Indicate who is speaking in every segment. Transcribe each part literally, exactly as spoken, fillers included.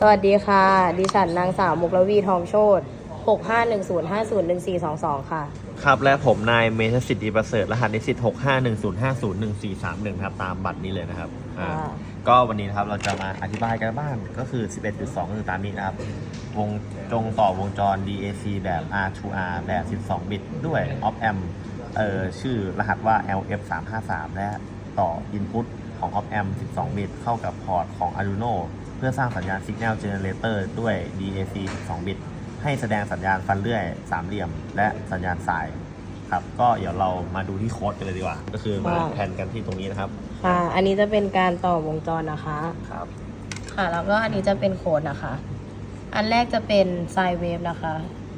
Speaker 1: สวัสดีค่ะ ดิฉันนางสาวมุกลวีทองโชติหกห้าหนึ่งศูนย์ห้าศูนย์หนึ่งสี่สองสองค่ะ
Speaker 2: ครับและผมนายเมธสิทธิประเสริฐรหัสนิสิตหกห้าหนึ่งศูนย์ห้าศูนย์หนึ่งสี่สามหนึ่งครับตามบัตรนี้เลยนะครับอ่าก็วันนี้นะครับเราจะมาอธิบายกันบ้างก็คือ สิบเอ็ดจุดสอง ก็คือตามนี้นะครับวงจงต่อวงจร ดี เอ ซี แบบ อาร์ ทู อาร์ แบบ สิบสอง บิตด้วย op amp เอ่อชื่อรหัสว่า แอล เอฟ สามห้าสาม และต่อ input ของ op amp สิบสอง บิตเข้ากับพอร์ตของ Arduino เพื่อสร้างสัญญาณ Signal Generator ด้วย ดี เอ ซี สิบสอง บิตให้แสดงสัญญาณฟันเลื่อยสามเหลี่ยมและสัญญาณสายครับก็เดี๋ยวเรามาดูที่โค้ดกันเลยดีกว่าก็คือมาแทนกันที่ตรงนี้นะครับ
Speaker 1: ค่ะอันนี้จะเป็นการต่อวงจรนะคะ
Speaker 2: ครับ
Speaker 1: ค่ะแล้วก็อันนี้จะเป็นโค้ดนะคะ อันแรกจะเป็นไซน์เวฟนะคะ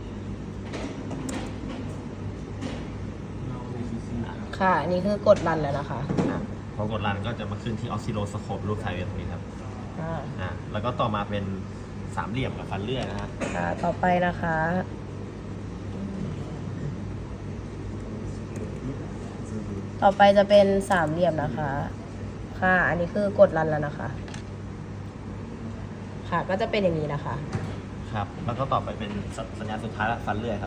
Speaker 1: ค่ะอันนี้คือกดรันแล้วนะคะ
Speaker 2: พอกดรันก็จะมาขึ้นที่ออสซิโลสโคปรูปไซเวฟตรงนี้ครับ
Speaker 1: อ่า
Speaker 2: อ่าแล้วก็ต่อมาเป็นสามเหลี่ยมกับฟันเลื่อยนะฮะ
Speaker 1: ค่ะต่อไปนะคะต่อไปจะเป็นสามเหลี่ยมนะคะค่ะอันนี้คือกดรันแล้วนะคะค่ะก็จะเป็นอย่างนี้นะคะ
Speaker 2: ครับแล้วก็ต่อไปเป็นสัญญาณสุดท้ายละฟันเลื่อยครับ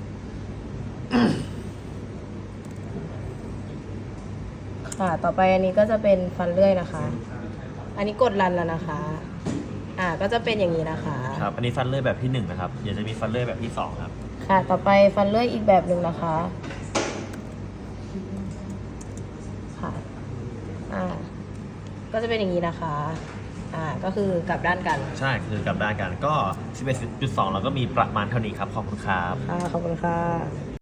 Speaker 1: ค่ะต่อไปอันนี้ก็จะเป็นฟันเลื่อยนะคะอันนี้กดรันแล้วนะคะอ่าก็จะเป็นอย่างนี้นะคะ
Speaker 2: ครับอันนี้ฟันเลื่อยแบบที่หนึ่งนะครับเดี๋ยวจะมีฟันเลื่อยแบบที่สองครับ
Speaker 1: ค่ะต่อไปฟันเลื่อยอีกแบบหนึ่งนะคะค่ะอ่าก็จะเป็นอย่างนี้นะคะอ่าก็คือกลับด้านกัน
Speaker 2: ใช่คือกลับด้านกันก็ สิบเอ็ดจุดสอง เราก็มีประมาณเท่านี้ครับขอบคุณครับ
Speaker 1: ค่ะขอบคุณค่ะ